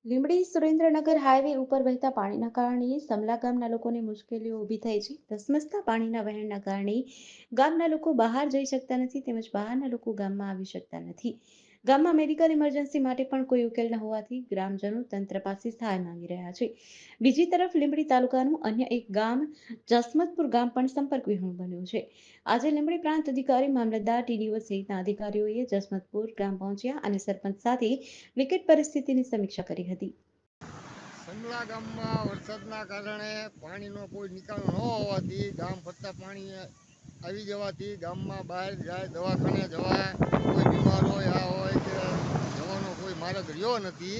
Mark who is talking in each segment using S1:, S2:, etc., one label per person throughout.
S1: Limbdi Surendranagar highway ઉપર વહેતા પાણીના કારણે સમલા ગામના લોકોને મુશ્કેલીઓ ઊભી થઈ છે. ધસમસતા પાણીના વહેણના કારણે ગામના લોકો બહાર જઈ શકતા નથી તેમજ બહારના લોકો ગામમાં આવી શકતા નથી. ગામમાં મેડિકલ ઇમરજન્સી માટે પણ કોઈ ઉકેલ ન હોવાથી ગ્રામજનો તંત્ર પાસે સહાય માંગી રહ્યા છે. બીજી તરફ લીંબડી તાલુકાનું અન્ય એક ગામ જસમતપુર ગામ પણ સંપર્ક વિહોણું બન્યું છે. આજે લીંબડી પ્રાંત અધિકારી, મામલતદાર, ટીડીઓ સહિતના અધિકારીઓએ જસમતપુર ગામ પહોંચ્યા અને સરપંચ સાથે વિકટ પરિસ્થિતિની સમીક્ષા કરી હતી.
S2: સમલા ગામમાં વરસાદના કારણે પાણીનો કોઈ નિકાલ ન હોવાથી ગામ ફરતા પાણી આવી જવાથી ગામમાં બહાર જાય, દવાખાને જવાય, કોઈ બીમાર હોય આ હોય કે જવાનો કોઈ માર્ગ રહ્યો નથી.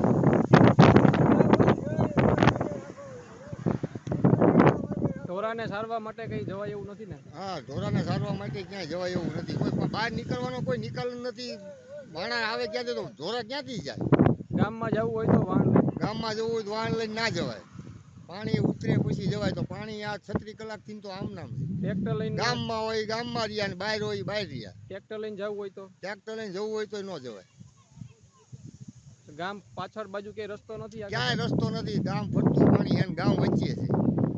S3: ઢોરાને સારવા માટે કઈ જવાય એવું નથી ને?
S2: હા, ઢોરાને સારવા માટે ક્યાંય જવાય એવું નથી. કોઈ પણ બહાર નીકળવાનો કોઈ નિકાલ નથી. માણસ આવે ક્યાંથી તો ઢોરા ક્યાંથી જાય?
S3: ગામમાં જવું હોય તો વાહન લઈને,
S2: ગામમાં જવું હોય તો વાહન લઈને ના જવાય. પાણી ઉતરે પછી જવાય તો પાણી આ 36 કલાકથી તો આમ નામ છે.
S3: ટ્રેક્ટર લઈને
S2: ગામમાં હોય ગામમાં રહ્યા ને બહાર હોય બહાર રહ્યા.
S3: ટ્રેક્ટર લઈને જવું હોય તો
S2: ટ્રેક્ટર લઈને જવું હોય તો ન જવાય.
S3: ગામ પાછળ બાજુ કે રસ્તો નથી?
S2: ક્યાંય રસ્તો નથી. ગામ ફરતું પાણી છે, ગામ વચ્ચે છે.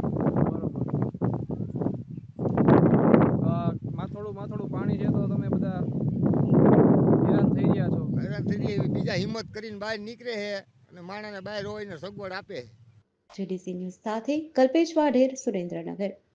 S3: માથોડું પાણી છે તો તમે બધા હેરાન થઈ ગયા છો.
S2: હેરાન થઈ ગયા, બીજા હિંમત કરીને બહાર નીકળે છે અને માણસને બહાર હોય ને સગવડ આપે.
S1: જેડીસી ન્યૂઝ સાથે કલ્પેશ વાઢેર, સુરેન્દ્રનગર.